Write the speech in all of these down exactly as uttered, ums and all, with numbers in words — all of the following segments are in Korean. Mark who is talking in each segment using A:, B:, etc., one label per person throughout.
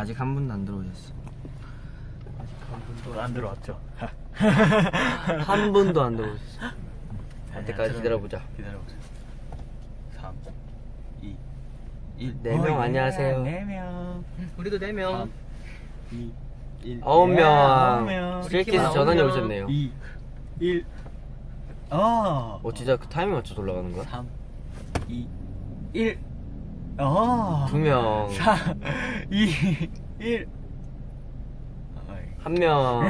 A: 아직 한 분도 안 들어오셨어.
B: 아직 한 분도 안 들어왔죠.
A: 한 분도 안 들어오셨어. 할 때까지 기다려보자.
B: 기다려보자. 삼, 이, 일.
A: 네 명 안녕하세요.
B: 네 명.
C: 우리도 네 명.
B: 삼, 이, 일.
A: 아홉 명.
B: 아홉 명.
A: 스트레이키즈 전원이 오셨네요.
B: 이, 일. 어.
A: 어 진짜 그 타이밍 맞춰 돌아가는 거야?
B: 삼, 이, 일. 어.
A: 두 명.
B: 사, 이, 일.
A: 한 명.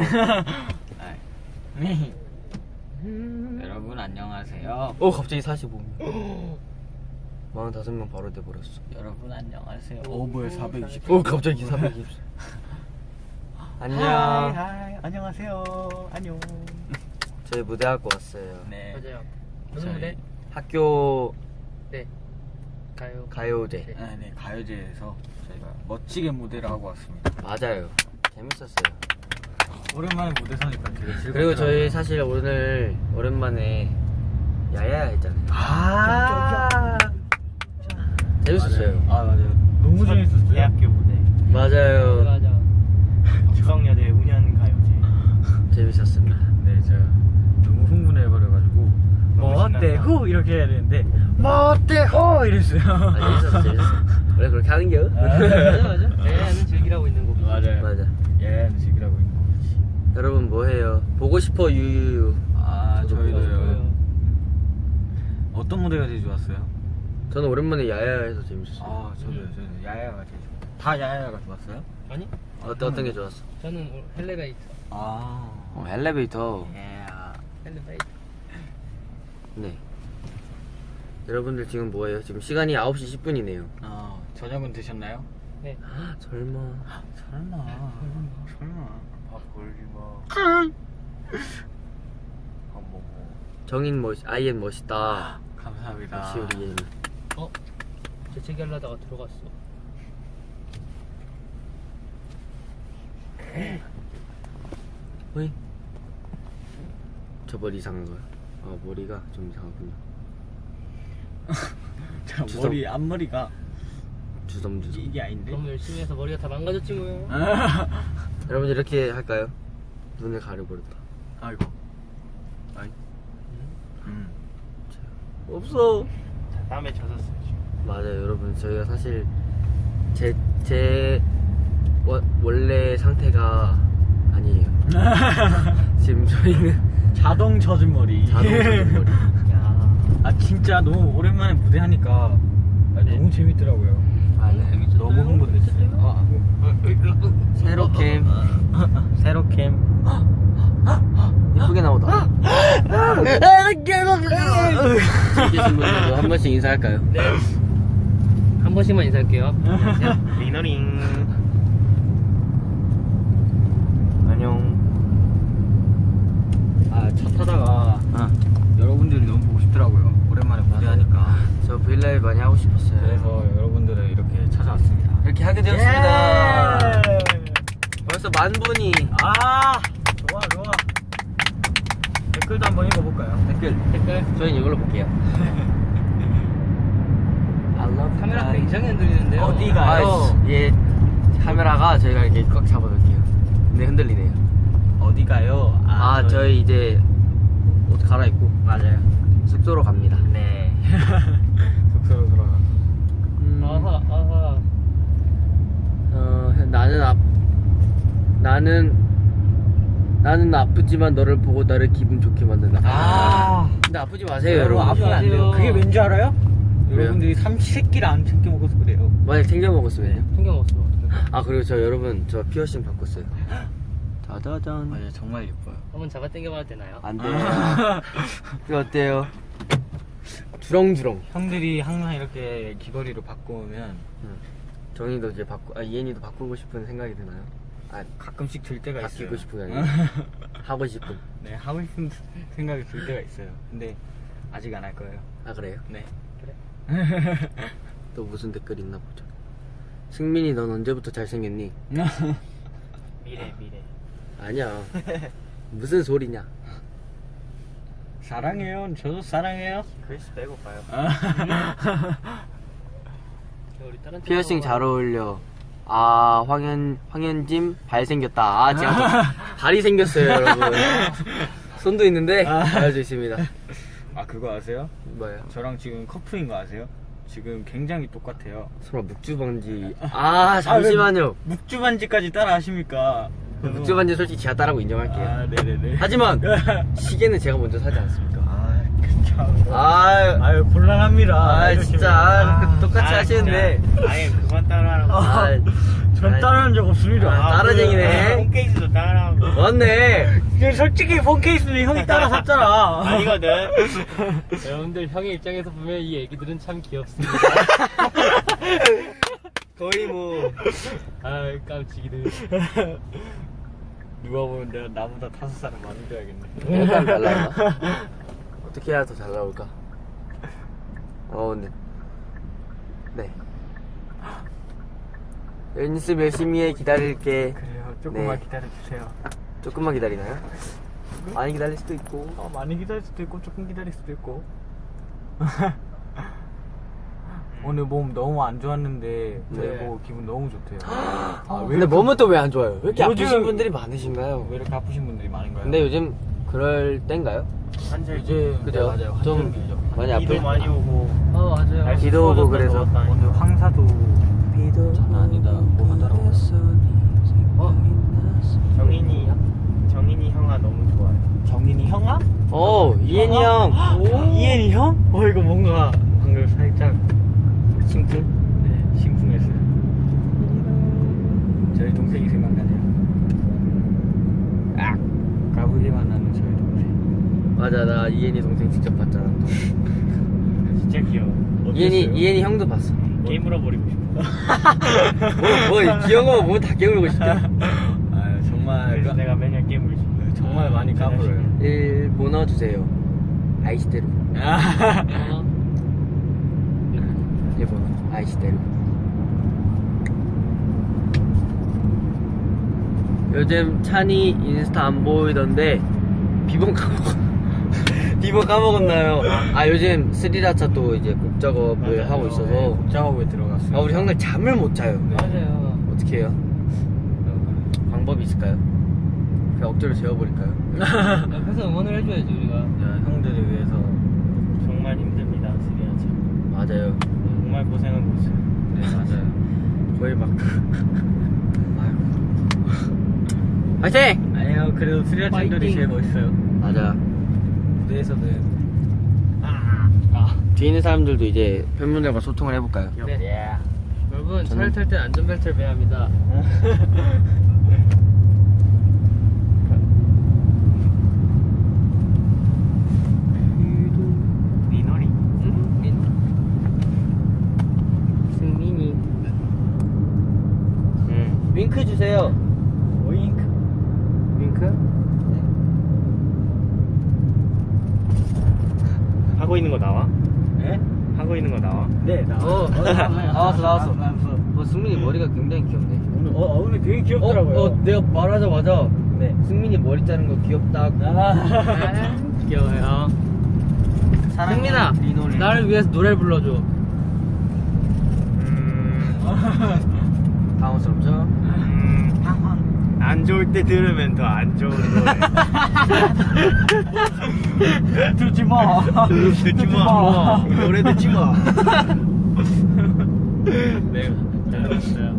B: 여러분 안녕하세요.
A: 오 갑자기 사십오 명. 사십오 명 바로 돼버렸어.
B: 여러분 안녕하세요. 오 뭐야 사백이십.
A: 오 갑자기 사백이십. 안녕.
B: 하이, 하이, 안녕하세요. 안녕.
A: 저희 무대하고 왔어요.
B: 네.
C: 맞아요.
B: 저희-
C: 무슨 무대?
A: 학교
C: 네. 가요.
A: 가요제.
B: 아, 네 가요제에서 저희가 멋지게 무대를 하고 왔습니다.
A: 맞아요. 재밌었어요.
B: 오랜만에 무대 서니까 되게 즐겁더라고요.
A: 그리고 저희 사실 오늘 오랜만에 야야야 했잖아요.
B: 아
A: 재밌었어요.
B: 맞아요. 아 맞아요. 너무 재밌었어요. 대학교 무대.
A: 맞아요.
C: 맞아.
B: 덕성여대 운현 가요제.
A: 재밌었습니다.
B: 네, 제가 너무 흥분해버려가지고 뭐 어때 후 이렇게 해야 되는데 뭐 어때 호 이랬어요.
A: 아, 재밌었어, 재밌었어. 원래 그렇게 하는겨?
C: 맞아 맞아. 애는 즐기라고 있는 거고.
B: 맞아요.
A: 맞아.
B: 예, 즐기라고 있는 거지.
A: 여러분 뭐 해요? 보고 싶어 유유유.
B: 아,
A: 저도
B: 저희도요. 어떤 무대가 제일 좋았어요?
A: 저는 오랜만에 야야야 해서 재밌었어요.
B: 아, 저도요. 저도 야야가 제일 좋았어요. 다 야야가 좋았어요?
C: 아니?
A: 어떤 어떤 게 좋았어?
C: 저는 헬레베이터.
B: 아,
A: 어, 엘리베이터.
B: 예.
C: 헬레베이터.
A: 네. 여러분들 지금 뭐해요? 지금 시간이 아홉 시 십 분이네요.
B: 아, 저녁은 드셨나요?
C: 네.
A: 설마.
B: 설마. 설마. 밥 걸리 마. 밥 먹어.
A: 정인 멋, 아이엔 멋있다.
B: 감사합니다.
A: 역시 우리 예인.
C: 어? 재채기 하려다가 들어갔어.
A: 어이? 저 머리 이상한 거야? 아 머리가 좀 이상하군요.
B: 자,
A: 주섬.
B: 머리 앞머리가
A: 주섬주섬.
B: 이게 아닌데?
C: 너무 열심히 해서 머리가 다 망가졌지 뭐요.
A: 여러분 이렇게 할까요? 눈을 가려버렸다.
B: 아이고. 아이. 음.
A: 없어.
B: 자, 땀에 젖었어요 지금.
A: 맞아요 여러분 저희가 사실 제, 제 워, 원래 상태가 아니에요. 지금 저희는
B: 자동 젖은 머리.
A: 자동 젖은 머리.
C: 야.
B: 아 진짜 너무 오랜만에 무대 하니까 아,
C: 네.
B: 너무 재밌더라고요.
A: 아, 네.
C: 재밌었어요?
B: 너무 흥분됐어요.
C: 재밌었어요?
B: 아,
A: 세로 캠
B: 세로 캠.
A: 예쁘게 나오다. 계신 분들도 한 번씩 인사할까요?
C: 네. 한 번씩만 인사할게요. 안녕하세요.
B: 리너링.
A: 안녕.
B: 아 차 타다가
A: 아,
B: 여러분들이 너무 보고 싶더라고요. 오랜만에 무대하니까.
A: 저 브이라이브 많이 하고 싶었어요.
B: 그래서 여러분들을 이렇게 찾아왔습니다.
A: 이렇게 하게 되었습니다.
B: 예!
A: 벌써 만 분이.
B: 아 좋아 좋아. 댓글도 한번 읽어볼까요?
A: 댓글.
C: 댓글.
A: 저희는 이걸로 볼게요. I love
C: 카메라
A: you.
C: 굉장히 흔들리는데요.
B: 어디가?
A: 아, 예, 카메라가 저희가 이렇게 꽉 잡아둘게요. 근데 흔들리네요.
B: 어디 가요?
A: 아, 저희 이제 옷 갈아입고
B: 맞아요.
A: 숙소로 갑니다.
B: 네. 숙소로 돌아가.
A: 음,
C: 아하 아하.
A: 어, 나는 아, 나는 나는 아프지만 너를 보고 나를 기분 좋게 만든다.
B: 아.
A: 근데 아프지 마세요,
B: 여러분
A: 여러분.
B: 아프면 안 돼요. 그게 왠 줄 알아요?
A: 왜요?
B: 여러분들이 삼시세끼를 안 챙겨 먹어서 그래요.
A: 만약 챙겨 먹었으면요?
C: 챙겨 먹었으면 어떡해.
A: 아 그리고 저 여러분 저 피어싱 바꿨어요. 짜자잔.
B: 맞아요, 정말 예뻐요.
C: 한번 잡아 당겨봐도 되나요?
A: 안 돼요. 이거 어때요? 주렁주렁.
B: 형들이 항상 이렇게 귀걸이로 바꾸면
A: 정이도 이제 바꾸, 아 이엔이도 바꾸고 싶은 생각이 드나요? 아
B: 가끔씩 들 때가
A: 바뀌고
B: 있어요.
A: 싶은 게 아니라 하고 싶은.
B: 네, 하고 싶은 생각이 들 때가 있어요. 근데 아직 안 할 거예요.
A: 아 그래요?
B: 네.
C: 그래.
A: 또 무슨 댓글 있나 보자. 승민이 넌 언제부터 잘생겼니?
C: 미래 미래.
A: 아니야. 무슨 소리냐?
B: 사랑해요. 저도 사랑해요.
C: 글씨 빼고 봐요.
B: 아.
C: 우리 다른
A: 피어싱
C: 친구가
A: 잘 어울려. 아, 황현, 황현짐 발 생겼다. 아, 제가 또 발이 생겼어요, 여러분. 손도 있는데, 발도 있습니다.
B: 아 그거 아세요?
A: 뭐예요?
B: 저랑 지금 커플인 거 아세요? 지금 굉장히 똑같아요.
A: 설마 묵주반지. 아, 잠시만요.
B: 묵주반지까지 따라 하십니까?
A: 묵주반지 솔직히 제가 따라고 인정할게요.
B: 아 네네네.
A: 하지만, 시계는 제가 먼저 사지 않습니까?
B: 아 그쵸.
A: 아유,
B: 아유 곤란합니다.
A: 아,
B: 이러시면.
A: 진짜. 아, 똑같이
C: 아,
A: 하시는데.
C: 진짜. 아예 그만 따라하라고.
A: 아,
B: 전 따라한 적 없습니다.
A: 아, 따라쟁이네.
C: 폰케이스도 따라하고.
A: 맞네.
B: 그 솔직히 폰케이스는 형이 따라 샀잖아.
C: 아니거든.
D: 여러분들 형의 입장에서 보면 이 애기들은 참 귀엽습니다.
A: 거의 뭐.
D: 아 깜찍이들.
B: 누가 보면 내가 나보다 다섯 살은 많은 줄 알겠네.
A: 약간 잘 나올까? 어떻게 해야 더 잘 나올까? 어, 근데. 네. 연습 열심히 해, 기다릴게.
B: 그래요. 조금만
A: 네.
B: 기다려주세요.
A: 조금만 기다리나요? 많이 기다릴 수도 있고.
B: 어, 많이 기다릴 수도 있고 조금 기다릴 수도 있고. 오늘 몸 너무 안 좋았는데 저희
A: 네.
B: 보고 기분 너무 좋대요.
A: 아,
B: 왜
A: 근데
B: 이렇게-
A: 몸은 또 왜 안 좋아요? 왜 이렇게
B: 요즘-
A: 아프신 분들이 많으신가요?
B: 왜 이렇게 아프신 분들이 많은가요?
A: 근데 요즘 그럴 땐가요?
C: 한절
B: 이제
A: 그죠?
B: 네, 맞아요.
A: 좀
B: 한절기죠.
A: 많이 아플
C: 비도 많이 오고.
D: 어 맞아요.
C: 날씨
A: 비도 오고
C: 추워졌다
A: 그래서
C: 더웠다 하니까.
B: 오늘 황사도
A: 비도
B: 장난 아니다 뭐 하더라고요.
A: 어?
C: 정인이 정인이 형아 너무 좋아요.
B: 정인이 형아?
A: 어, 이엔이 형.
B: 이엔이 형? 어 이거 뭔가 방금 살짝 심쿵? 네 심쿵했어요. 저희 동생이 생각나네요. 아 까불기만 하는 저희 동생.
A: 맞아, 나 이엔이 동생 직접 봤잖아.
C: 진짜 귀여워.
A: 이엔이, 이엔이 형도 봤어.
C: 게임으로 버리고 싶어.
A: 뭐, 뭐, 귀여운 거 보면 다 깨물고 싶다.
B: 아 정말
C: 그래서
B: 까-
C: 내가 매년 게임을 싶어.
B: 정말 많이 까불어요.
A: 일본어 주세요. 아이시대로.
D: 어?
A: 일본어. 아이시대로. 요즘 찬이 인스타 안 보이던데, 비번 까먹었, 비번 까먹었나요? 아, 요즘 스리라차 또 이제 곡 작업을
C: 맞아요.
A: 하고 있어서.
B: 네, 곡 작업에 들어갔어요.
A: 아, 우리 형들 잠을 못 자요.
D: 맞아요.
A: 어떻게 해요? 방법이 있을까요? 그냥 억지로 재워버릴까요?
D: 옆에서 응원을 해줘야지 우리가.
B: 야, 형들을 위해서.
C: 정말 힘듭니다, 스리아차.
A: 맞아요.
C: 정말 고생을 못해요.
B: 네 맞아요.
A: 거의 막. 아이고. 화이팅!
B: 아니요 그래도 스리아찬들이
D: 파이팅!
B: 제일 멋있어요.
A: 맞아.
B: 무대에서는.
D: 아.
A: 뒤에 있는 사람들도 이제 팬분들과 소통을 해볼까요?
D: 네. 여러분
A: 저는-
D: 차를 탈 때 안전벨트를 매야 합니다.
C: 미노리.
D: 응? 민호. 승민이.
C: 응.
A: 윙크 주세요.
B: 오잉크.
A: 윙크?
C: 하고 있는 거 나와?
B: 네?
C: 하고 있는 거 나와?
B: 네 나.
A: 어, 나왔어, 나왔어.
B: 나왔어.
A: 어, 승민이 머리가 굉장히 귀엽네.
B: 오늘 어, 어 오늘 되게 귀엽더라고요.
A: 어, 어, 내가 말하자마자
B: 네.
A: 승민이 머리 자른 거 귀엽다고.
B: 아.
D: 귀여워요. 승민아,
B: 리노리.
D: 나를 위해서 노래 불러줘.
C: 음.
A: 당황스럽죠?
C: 음. 안 좋을 때 들으면 더 안 좋은 노래.
B: 듣지 마.
C: 듣지 마.
A: 노래 듣지 마.
D: 네, 잘 들었어요.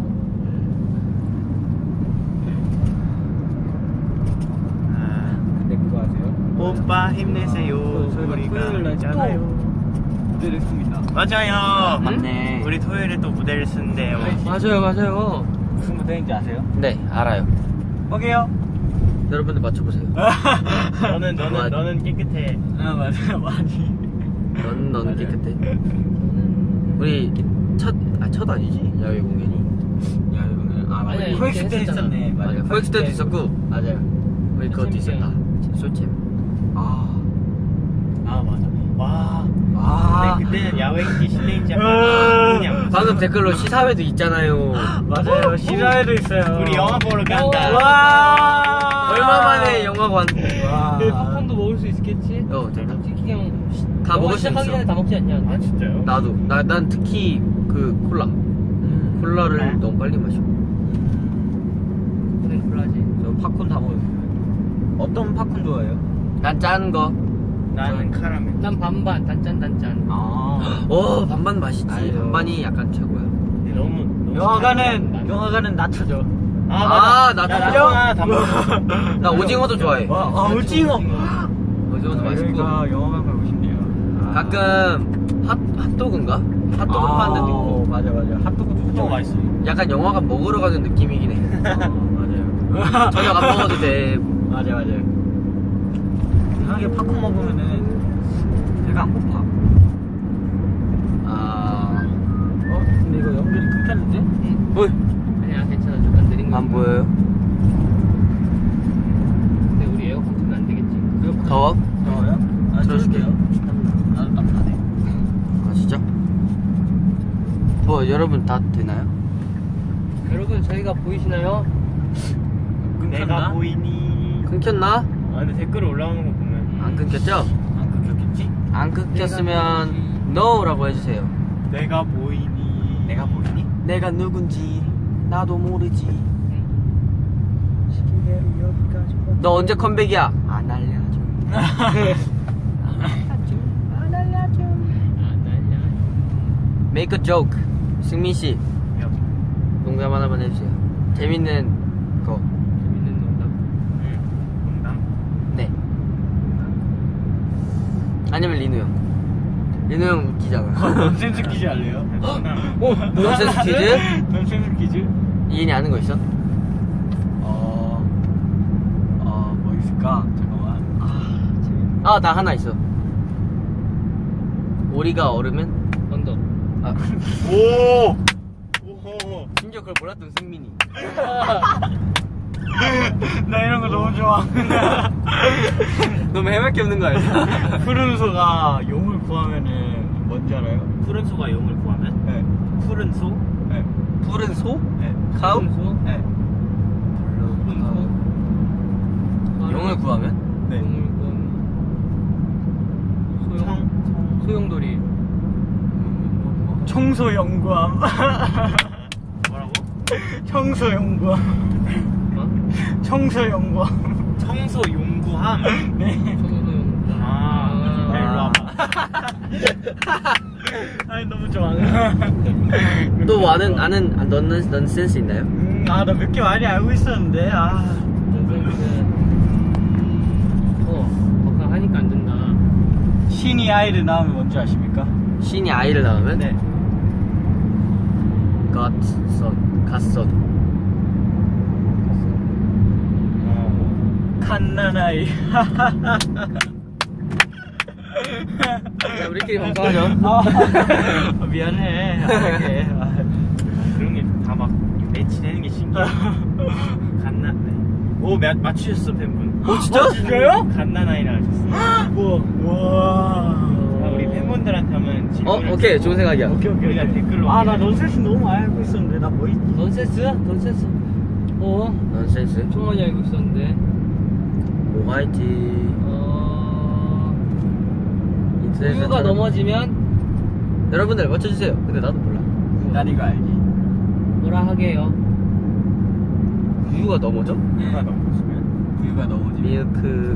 B: 네 그거 아세요?
C: 오빠 힘내세요.
B: 저희가
C: 우리가
B: 토요일 날
C: 있잖아요.
B: 무대를 했습니다.
C: 맞아요.
A: 맞네.
C: 우리 토요일에 또 무대를 쓴대요.
D: 맞아요, 맞아요.
B: 무슨 무대인지 아세요?
A: 네, 알아요.
B: 뭐게요?
A: 여러분들 맞춰보세요.
C: 너는 너는
A: 맞-
C: 너는 깨끗해.
B: 아 맞아요 많이.
A: 넌, 너는 깨끗해. 우리 첫, 아, 첫 아니지? 야외 공연이.
B: 야 이거는 아 맞아.
D: 아니야,
B: 코엑스 때
D: 했었잖아.
B: 있었네.
A: 맞아.
B: 맞아.
A: 코엑스 때도 있었고. 맞아요. 우리 그것도
D: 솔챔
A: 있었다. 솔챔.
B: 아.
C: 아 맞아. 와.
B: 아.
C: 근데 그때는 야외인지 실내인지 약간 그냥
A: 방금 댓글로 시사회도 있잖아요.
B: 맞아요. 시사회도 있어요.
C: 우리 영화 보러 간다.
B: 와.
A: 얼마 만에 영화관.
B: 와.
D: 그 팝콘도 먹을 수 있겠지?
A: 어, 제가.
D: 솔직히 형.
A: 다
D: 영화
A: 먹을 수
D: 시작하기
A: 있어.
D: 전에 다 먹지 않냐?
C: 아 진짜요?
A: 나도. 나, 난 특히 그 콜라. 콜라를 너무 빨리 마셔.
B: 오늘 콜라지. 저 팝콘 다 먹었어요. 어떤 팝콘 좋아해요?
A: 난 짠 거.
C: 나는 카라멜.
D: 난 반반 단짠 단짠.
B: 아.
A: 오 반반 맛있지.
B: 아유.
A: 반반이 약간 최고야.
C: 너무 너무
B: 영화관은 영화관은 낮춰줘.
C: 아,
A: 아, 나
C: 나
A: 다
C: 하나 다 먹었어.
A: 나 오징어도 좋아해.
B: 와, 아, 오징어.
A: 오징어도 맛있고.
B: 그러니까 영화관 가고 싶네요. 아.
A: 가끔 핫 핫도그인가? 핫도그
B: 아,
A: 파는 데도 있고.
B: 맞아 맞아. 핫도그도
C: 너무 맛있어.
A: 약간 영화관 먹으러 가는 느낌이긴 해.
B: 아, 맞아요.
A: 저녁 안 먹어도 돼.
B: 맞아 맞아. 이상하게 팝콘 먹으면은 배가 안 고파.
A: 아,
B: 어? 근데 이거 연결이 끊겼는데?
A: 뭐?
D: 아니야 괜찮아 잠깐 느린 거.
A: 안 보여요?
D: 근데 우리 에어컨 틀면 안 되겠지.
A: 더워?
B: 더워요? 아,
A: 틀어줄게요.
B: 나도 따뜻하네.
A: 아 진짜? 뭐 여러분 다 되나요?
D: 여러분 저희가 보이시나요?
C: 내가 보이니?
A: 끊겼나?
C: 아 근데 댓글 올라오는 거 보면
A: 안 끊겼죠?
B: 안 끊겼겠지?
A: 안 끊겼으면 NO라고 해주세요.
C: 내가 보이니?
B: 내가 보이니?
A: 내가 누군지 나도 모르지.
C: 시킨 대로 여기까지.
A: 너 언제 컴백이야? 안 알려줘.
D: 안 날려.
A: Make a joke. 승민 씨 농담 하나만 해주세요. 재밌는 거.
D: 재밌는 농담.
C: 농담?
A: 네. 아니면 리누 형. 리누 형 웃기잖아.
B: 넌센스 퀴즈 할래요?
A: 오, 넌센스 퀴즈?
B: 넌센스 퀴즈?
A: 이인이 아는 거 있어?
B: 어... 어... 뭐 있을까? 잠깐만. 아... 재밌...
A: 아, 나 하나 있어. 오리가 얼으면?
D: 언더.
A: 아,
C: 오! 오호.
A: 심지어 그걸 몰랐던 승민이.
B: 나 이런 거 너무 좋아.
A: 너무 해맑게 없는 거 알죠?
B: 푸른 소가 용을 구하면은 뭔지 알아요?
C: 푸른 소가 용을 구하면?
B: 네.
C: 푸른 소?
B: 네.
A: 푸른 소?
B: 네.
A: 카우?
D: 소?
B: 네.
A: 용을 구하면?
B: 네.
D: 소용.
C: 청?
D: 소용돌이.
B: 청소 연구함.
C: 뭐라고?
B: 청소 연구함.
D: 어?
B: 청소 연구함.
C: 청소 용구함?
B: 네.
D: 소용.
C: 아, 야, 일로 와봐.
B: 아니 너무 좋아.
A: 또 아는, 아는, 아, 넌, 넌 센스 있나요?
B: 음, 아, 나 몇 개 많이 알고 있었는데, 아.
D: 어, 버카 하니까 안 된다.
B: 신이 아이를 낳으면 뭔지 아십니까?
A: 신이 아이를 낳으면?
B: 네.
A: 갓선, 갓선.
C: 어.
B: 갓난아이.
A: 자, 우리끼리 방송하죠.
B: 아, 미안해. 안 할게. 아.
C: 그런 게 다 막 매치되는 게 신기해. 갓나, 네. 오, 마, 맞추셨어, 팬분.
A: 어, 진짜?
B: 진짜요?
C: 갓나나이라 하셨어.
B: 우와. 와.
C: 아, 우리 팬분들한테 한번
A: 어,
C: 질문을.
A: 오케이. 좋은 생각이야.
B: 오케이, 오케이.
C: 우리가 댓글로.
B: 아, 나 넌센스 너무 많이 알고 있었는데, 나 뭐 있지?
D: 넌센스? 넌센스. 어?
A: 넌센스.
D: 엄청 많이 알고 있었는데.
A: 뭐가 있지?
D: 어.
A: 인터넷에
D: 우유가
A: 잘-
D: 넘어지면
A: 여러분들 맞춰주세요. 근데 나도 몰라.
B: 난 이거 알지.
D: 뭐라 하게요?
A: 우유가 넘어져?
C: 누가 넘어지면?
B: 우유가 넘어지면.
A: 밀크.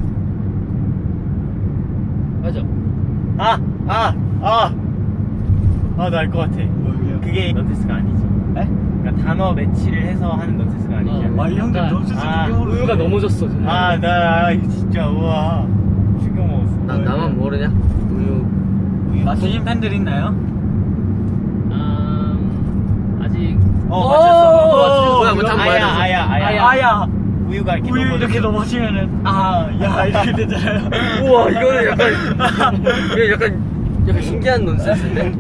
D: 맞아.
C: 아! 아! 아! 아, 나 알 것 같아.
B: 뭐예요?
C: 그게 넌테스가 아니지.
B: 에?
C: 그러니까 단어 매치를 해서 하는 넌테스가 아니지.
D: 어.
B: 아, 이 형들
D: 약간-
B: 넌센스
C: 아,
B: 되게 모르네.
D: 우유가 넘어졌어. 정말.
C: 아, 나, 아, 진짜, 우와. 충격 먹었어.
A: 나, 나만 모르냐? 우유.
B: 맞추신 팬들 있나요?
D: 음, 아직.
C: 어,
B: 오!
C: 맞췄어.
A: 뭐야, 뭐 한번
C: 아야,
A: 보여줘.
C: 아야, 아야.
D: 아야.
B: 아야.
C: 우유가 이렇게
B: 우유
C: 넘어져.
B: 이렇게 넘어지면은, 아, 야, 이렇게 되잖아요.
A: 우와, 이거는 약간, 이거 약간, 약간 신기한 논센스인데?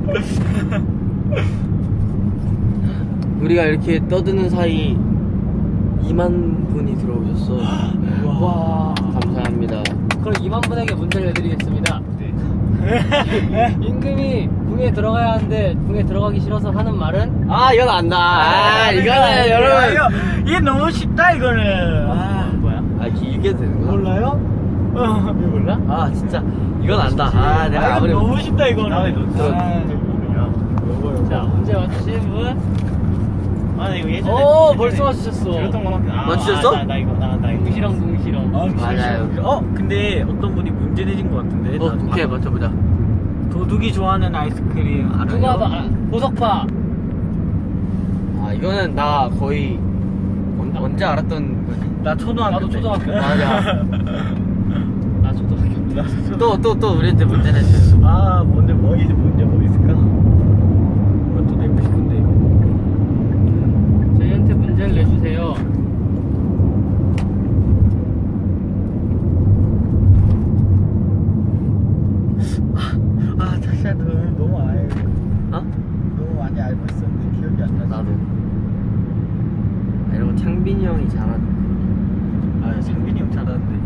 A: 우리가 이렇게 떠드는 사이 이만 분이 들어오셨어.
D: 와.
A: 감사합니다.
D: 그럼 이만 분에게 문제를 내드리겠습니다.
C: 네.
D: 임금이 궁에 들어가야 하는데 궁에 들어가기 싫어서 하는 말은?
A: 아, 이건 안다. 아, 이거는 여러분.
B: 이거, 이게 너무 쉽다, 이거는. 아,
C: 뭐야?
A: 아, 길게 되는구나.
B: 몰라요? 어.
D: 이거 몰라?
A: 아, 진짜. 이건 안다. 아, 내가
B: 아,
A: 아무리.
B: 이거 너무 쉽다, 이거는.
C: 나왜 너
A: 들어-
C: 모르냐?
B: 요거 요거.
D: 자, 문제 맞추신 분?
C: 아, 나 이거 예전에.
D: 오,
C: 예전에
D: 벌써 맞추셨어.
C: 들었던 거밖에. 아,
A: 맞추셨어?
C: 아, 나, 나 이거, 나, 나 이거.
D: 동시랑 동시랑.
B: 아,
A: 맞아요.
B: 어, 근데 어떤 분이 문제 내신 것 같은데.
A: 어,
B: 나
A: 오케이, 맞춰보자.
B: 도둑이 좋아하는 아이스크림 알아요?
D: 누가 봐? 아, 보석파.
A: 아, 이거는 나 거의 언, 언제 알았던 거지?
B: 나 초등학교
D: 나도
B: 때.
D: 초등학교.
A: 맞아.
D: 나 초등학교.
B: 나 초등학교
A: 또, 또, 또 우리한테 문제 냈어요.
B: 아, 뭔데, 뭐, 이제 문제 뭐 있을까? 그것도 내고 싶은데, 이거.
D: 저희한테 문제를 내주세요.
B: 아, 사실 너무, 너무 알고,
A: 어?
B: 너무 많이 알고 있었는데, 기억이 안 나지.
A: 나도. 아, 이런 거 창빈이 형이 잘하는데.
B: 아, 상빈이 형 잘하는데.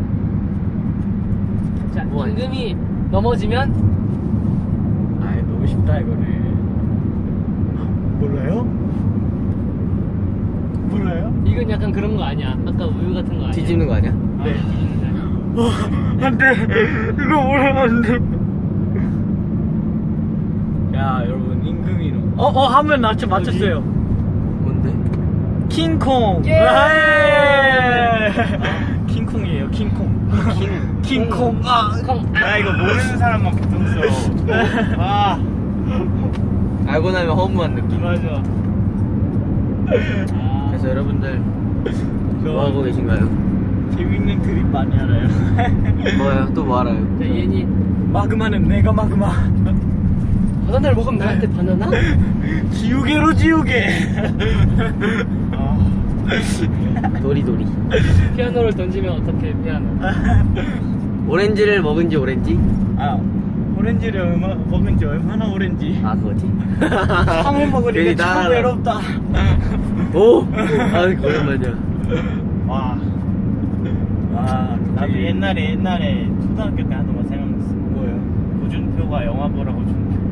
D: 자,
A: 뭐
D: 임금이 넘어지면
B: 아, 너무 쉽다, 이거는. 몰라요? 몰라요?
D: 이건 약간 그런 거 아니야? 아까 우유 같은 거 아니야?
A: 뒤집는 거 아니야?
D: 아,
B: 네.
D: 뒤집는 거 아니야?
B: 어, 안 돼. 이거 몰라, 안 돼. 야, 여러분, 임금이로. 어, 어, 하면 나 진짜 맞췄어요.
A: 뭔데?
B: 킹콩.
D: 예!
B: 예! 킹콩이에요, 킹콩.
A: 킹.
B: 킹콩. 아,
D: 콩.
C: 나 이거 모르는 사람만 보통 써. 아,
A: 알고 나면 허무한 느낌.
B: 맞아.
D: 아,
A: 그래서 여러분들 뭐 하고 계신가요?
B: 재밌는 드립 많이 알아요.
A: 뭐요? 또 뭐 알아요?
D: 자, 얘니
B: 마그마는 내가 마그마.
D: 바나나를 먹으면 나한테 바나나?
B: 지우개로 지우개.
C: 아,
A: 도리도리.
D: 피아노를 던지면 어떻게 피아노?
A: 오렌지를 먹은 지 오렌지?
B: 아, 오렌지를 얼마, 먹은 지 얼마나 오렌지.
A: 아, 그거지.
B: 상을
A: 괜히
B: 먹으니까 참
A: 따라하라.
B: 외롭다.
A: 오! 아, 오랜만이야.
C: 와.
B: 아,
C: 나도 옛날에, 옛날에 초등학교 때 하던 거 생각났어.
B: 뭐예요?
C: 고준표가 영화 보라고 준 표.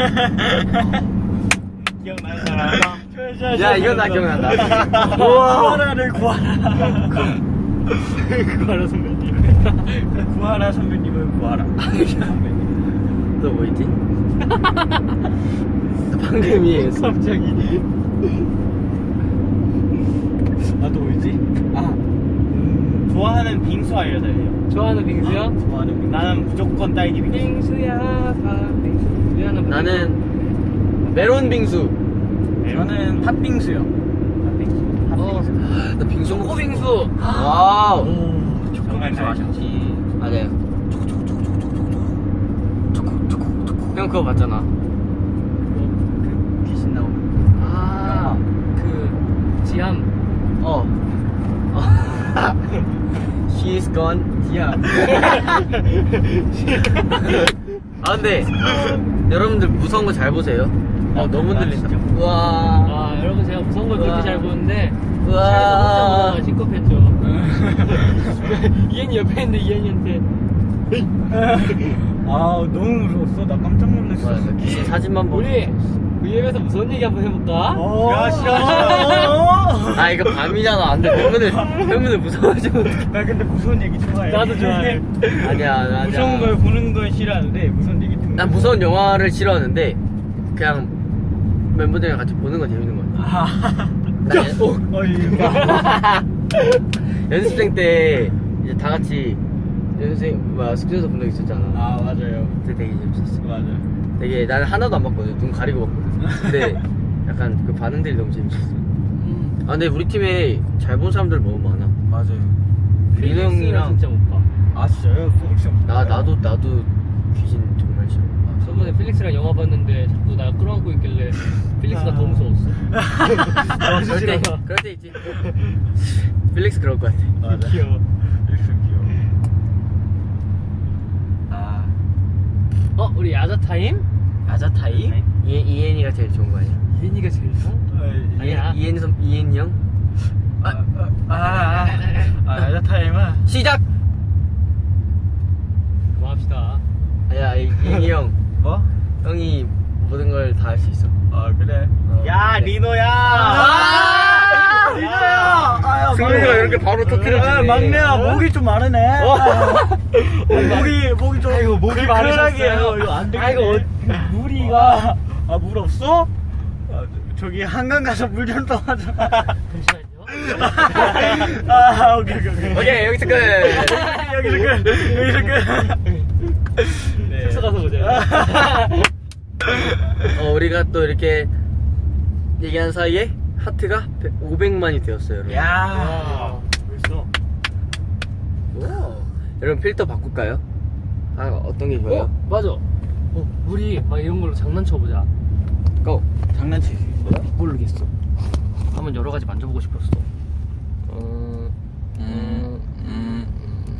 C: 기억나는 사람?
A: 야, 이건 나 기억난다.
B: 우와. 구하라를 구하라.
C: 구하라 선배님.
B: 구하라 선배님을 구하라. 선배님.
A: 또 뭐 있지? 방금 이해했어.
B: 갑자기. 아, 또 뭐 있지? 아, 음,
C: 좋아하는 빙수 알려드려요.
D: 좋아하는 빙수요?
B: 좋아하는 빙수.
C: 나는 무조건 딸기 빙수.
D: 빙수야, 밥 빙수. 미안한
A: 나는 메론 빙수.
B: 저는 팥빙수요.
D: 어,
A: 나 빙수
D: 초코
A: 먹고 싶어.
D: 빙수.
A: 와우.
B: 오,
C: 정말
B: 초코빙수
C: 맛있지.
B: 아셨지?
A: 맞아요. 형 그거 봤잖아. 그 귀신 나오는.
D: 아, 그 지함.
A: 어. 어. She's gone. Yeah. 아 근데 여러분들 무서운 거 잘 보세요. 어 너무
B: 나
A: 들린다.
B: 진짜.
A: 우와.
D: 아, 여러분 제가 무서운 걸 그렇게
A: 우와.
D: 잘 보는데
A: 우와.
D: 차에서 혼자 시겁했죠. 이현이 옆에 있는데 이현이한테
B: 아, 너무 무서웠어. 나 깜짝 놀랐어.
A: 맞아. 귀신 사진만 보고.
D: 우리 위엠에서 무서운 얘기 한번 해볼까?
B: 어,
C: 야, 싫어,
B: 어,
A: 아 이거 밤이잖아. 안돼. 팬분들 팬분들 무서워지면 어떡해.
B: 나 근데 무서운 얘기 좋아해.
D: 나도 좋아해.
A: 아니야 아니야.
B: 무서운 걸 보는 건 싫어하는데 무서운 얘기 듣는
A: 난
B: 거.
A: 무서운 영화를 싫어하는데 그냥 멤버들이랑 같이 보는 건 재밌는 거야.
B: 아,
A: 나 연-
B: 어, 이거.
A: 연습생 때 이제 다 같이 연습생 뭐야 숙제에서 본 적 있었잖아.
B: 아, 맞아요.
A: 그때 되게 재밌었어.
B: 맞아.
A: 되게 나는 하나도 안 봤거든. 눈 가리고 봤거든. 근데 약간 그 반응들이 너무 재밌었어.
D: 음,
A: 아 근데 우리 팀에 잘 본 사람들 너무 많아.
B: 맞아요.
A: 민호 형이랑
D: 진짜 못 봐.
B: 아, 진짜요? 필릭스 형.
A: 나 나도 나도 귀신 정말 싫어.
D: 저번에 필릭스랑 영화 봤는데 자꾸 나 끌어안고 있길래 필릭스가 더 무서웠어.
A: 어, 그럴 때 그럴 때 있지. 필릭스 그럴 것 같아.
B: 맞아.
C: 귀여워.
B: 필릭스 귀여워. 아,
D: 어, 우리 야자 타임?
A: 야자 타임? 이 이엔이가 제일 좋은 거 아니야?
D: 이현이가 제일 좋아? 아니야.
A: 이엔이 선 이엔이 형
B: 아, 아, 아, 아, 야자 타임은
A: 시작.
D: 그만합시다.
A: 아야 이엔이 형
B: 뭐?
A: 형이 모든 걸 다 할 수 있어.
B: 아, 그래.
A: 어.
C: 야, 리노야!
B: 아, 리노야! 아,
A: 승민이가 이렇게 바로 터뜨려주네.
B: 아, 막내야, 목이 좀 마르네. 목이, 목이 좀.
C: 아이고, 목이
B: 근근하게
C: 마르셨어요.
B: 해요. 이거 안 되겠네.
D: 아이고,
B: 무리가. 아, 물 없어? 아, 저기 한강 가서 물 좀 떠와줘.
D: 잠시만요.
B: 아, 오케이, 오케이, 오케이.
A: 오케이, 여기서 끝.
B: 여기서 끝. 여기서 끝. 네.
D: 숙소 가서 보자.
A: 어, 우리가 또 이렇게 얘기한 사이에 하트가 오백만이 되었어요, 여러분.
B: 야, 벌써.
A: 오. 여러분 필터 바꿀까요? 아, 어떤 게 좋아요?
D: 어, 맞아. 어, 우리 막 이런 걸로 장난쳐보자.
A: 고!
B: 장난칠 수 있어요?
D: 모르겠어. 한번 여러 가지 만져보고 싶었어. 어, 음, 음,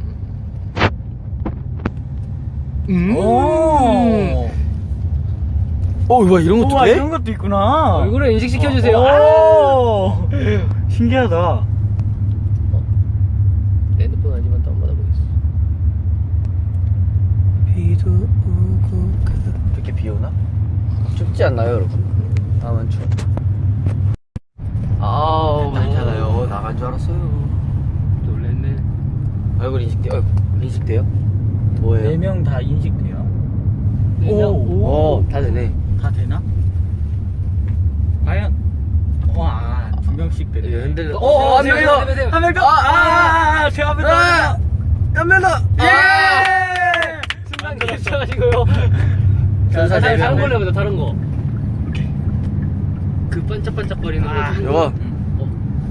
A: 음.
B: 오.
A: 어, 와, 이런 것도
B: 우와,
A: 돼?
B: 이런 것도 있구나.
D: 얼굴에 인식시켜주세요.
B: 오. 신기하다.
D: 내 핸드폰 아니면 다운받아보겠어.
A: 비도 오고 이렇게 비 오나? 춥지 않나요, 여러분? 나만 추워. 아우, 괜찮아요. 나간 줄 알았어요.
D: 놀랬네.
A: 얼굴 인식돼, 어, 인식돼요? 뭐예요?
B: 네 명 다 인식돼요.
D: 네 명?
A: 오, 다 되네.
B: 다 되나? 과연? 와, 두 명씩 되네.
A: 이거 흔들려.
D: 어,
A: 어, 한
D: 세요,
A: 명
D: 세요,
A: 더!
D: 세요, 세요.
B: 한 명 더!
A: 아,
B: 아, 아, 제가 한 명 더!
A: 아! 한 명 더!
B: 예!
D: 순간 괜찮아지고요.
A: 순서 네
D: 다른, 다른
A: 명.
D: 걸로 해보자, 다른 거. 그 반짝반짝거리는
B: 아,
D: 거.
A: 요거.
D: 어,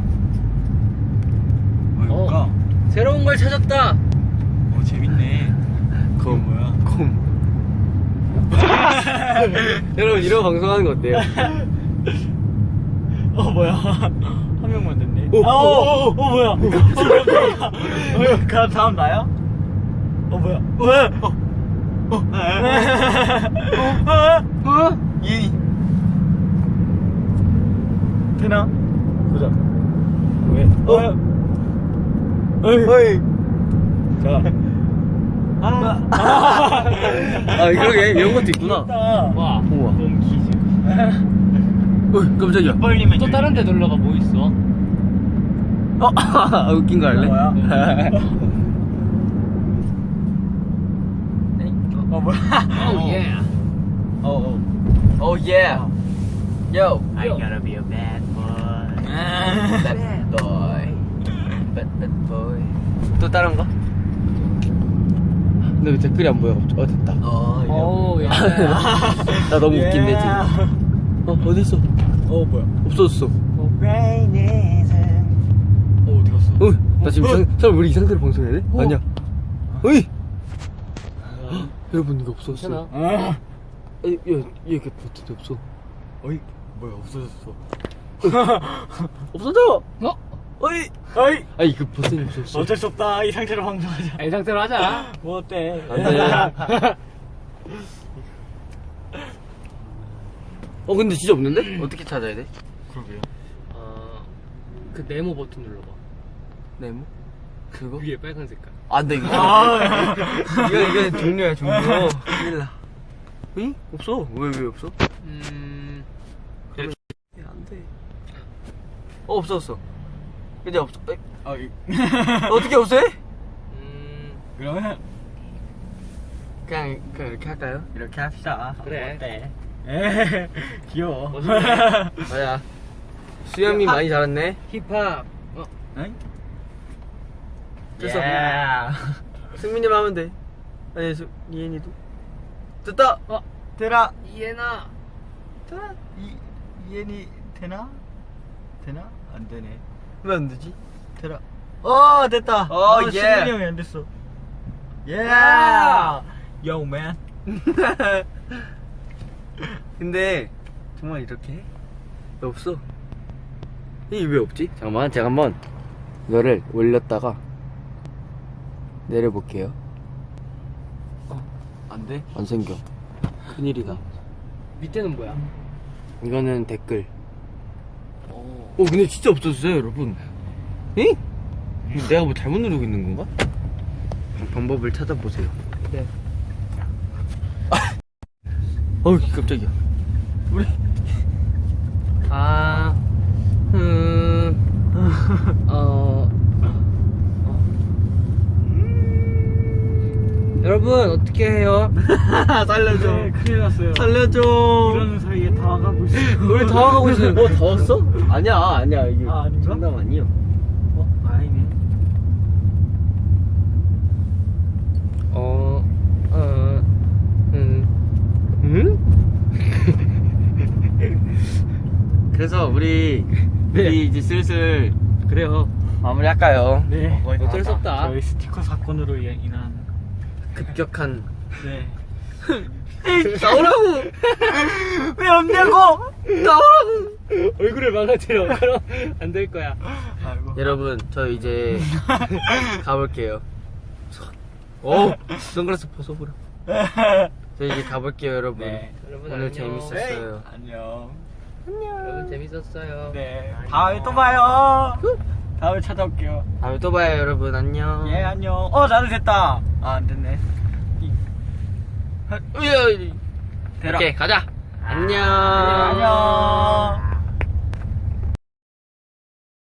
B: 뭘까?
D: 새로운 걸 찾았다.
B: 어, 재밌네. 그거 뭐야?
A: 콤. 여러분, 이런 방송하는 거 어때요?
B: 어, 뭐야? 한 명만 됐네.
A: 오,
B: 아, 어, 어,
A: 오,
B: 어, 뭐야? 어, 뭐야? 어, 그 다음 나야? 어, 뭐야? 왜? 어, 어, 어, 어? 이 되나? 보자. 왜? 어? 어이. 자. 아.
A: 아, 그러게. 이런 것도 있구나.
D: 와.
A: 우와.
B: 몸 기준.
A: 어이, 깜짝이야.
B: 벌리면
D: 또 다른 데 놀러가 뭐 있어?
A: 어, 아, 웃긴 거 할래?
B: 뭐야? 어, 뭐야?
D: 오, 예.
B: 어, 어.
A: 오, 예. Yo.
C: I gotta be a bad boy.
A: Bad boy. Bad, bad boy. 또 다른 거? 근데 왜 댓글이 안 보여? 어, 됐다.
D: 오, 야.
A: 나 너무 웃긴데, 지금. 어, 어딨어?
B: 어, 뭐야?
A: 없어졌어.
B: 어, 어디 갔어?
A: 어, 나 지금 이상, 설마 우리 이 상태로 방송해야 돼?
B: 어.
A: 아니야. 어이! 헉, 여러분, 이거 없어졌어.
D: 괜찮아.
B: 아.
A: 아, 얘, 얘, 이렇게 버튼이 없어.
B: 어이, 뭐야, 없어졌어.
A: 없어져!
D: 어?
B: 어이! 어이!
A: 아니, 그 버튼이 없어졌어.
B: 어쩔 수 없다. 이 상태로 방송하자.
D: 이 상태로 하자.
B: 뭐 어때?
A: 안 돼. 어, 근데 진짜 없는데? 어떻게 찾아야 돼?
B: 그러게요.
D: 어, 그 네모 버튼 눌러봐.
A: 네모? 그거?
D: 위에 빨간 색깔.
A: 안 돼, 이거.
B: 아.
A: 이거, 이거 종료야, 종료. 큰일 나. 응? 없어. 왜, 왜 없어?
D: 음,
A: 안 돼. 어, 없어졌어. 이제 없어. 에?
B: 어, 이-
A: 어떻게 없애?
D: 음,
B: 그러면
A: 그냥, 그냥 이렇게 할까요?
B: 이렇게 합시다.
D: 그래.
B: 어때? 에 귀여워.
A: 맞아. 수염이 많이 자랐네.
D: 힙합. 어,
B: 응?
A: 됐어.
B: 예.
A: 승민이만 하면 돼. 아니, 수, 이엔이도. 됐다!
D: 어,
B: 되나?
D: 이해나.
B: 되나? 이 이엔이 되나? 되나? 안 되네.
A: 왜 안 되지?
B: 되나? 어 됐다.
A: 어, 예.
B: 신민이 형이 안 됐어. 예.
A: 아.
B: Yo man.
A: 근데, 정말 이렇게 해? 왜 없어? 이게 왜 없지? 잠깐만, 제가 한번 이거를 올렸다가 내려볼게요. 어, 안 돼? 안 생겨. 큰일이다.
D: 밑에는 뭐야?
A: 이거는 댓글.
D: 어,
A: 어, 근데 진짜 없어졌어요, 여러분. 응? 내가 뭐 잘못 누르고 있는 건가? 방법을 찾아보세요.
D: 네.
A: 어우, 깜짝이야. 우리.
D: 아, 음, 어, 어. 여러분, 어떻게 해요?
A: 살려줘.
B: 네, 큰일 났어요.
A: 살려줘.
B: 이러는 사이에 다 가고 있어.
A: 우리 다 가고 있어. 어 더웠어? 아니야 아니야 이게
B: 아, 아닌가?
A: 장담 아니요. 어 아니네. 어, 어, 음, 음? 그래서 우리
B: 네.
A: 우리 이제 슬슬
B: 그래요.
A: 마무리할까요?
B: 네.
C: 거의 다
A: 어쩔 수
C: 왔다.
A: 없다.
B: 저희 스티커 사건으로 인- 인한.
A: 급격한.
B: 네.
A: 나오라고.
B: 왜 없냐고!
A: 나오라고.
D: 얼굴을 망가뜨려. 그럼 안 될 거야.
B: 아이고.
A: 여러분 저 이제 가볼게요. 오 선글라스 벗어버려. 저 이제 가볼게요 여러분.
B: 네.
D: 여러분
A: 오늘
D: 안녕.
A: 재밌었어요.
B: 안녕.
D: 여러분 재밌었어요.
B: 네. 다음에 또 봐요. 다음에 찾아올게요.
A: 다음에 또 봐요 여러분. 안녕.
B: 예, 안녕. 어, 나도 됐다. 아, 안 됐네.
A: 으여.
B: 대라.
A: 오케이 가자. 안녕.
B: 안녕.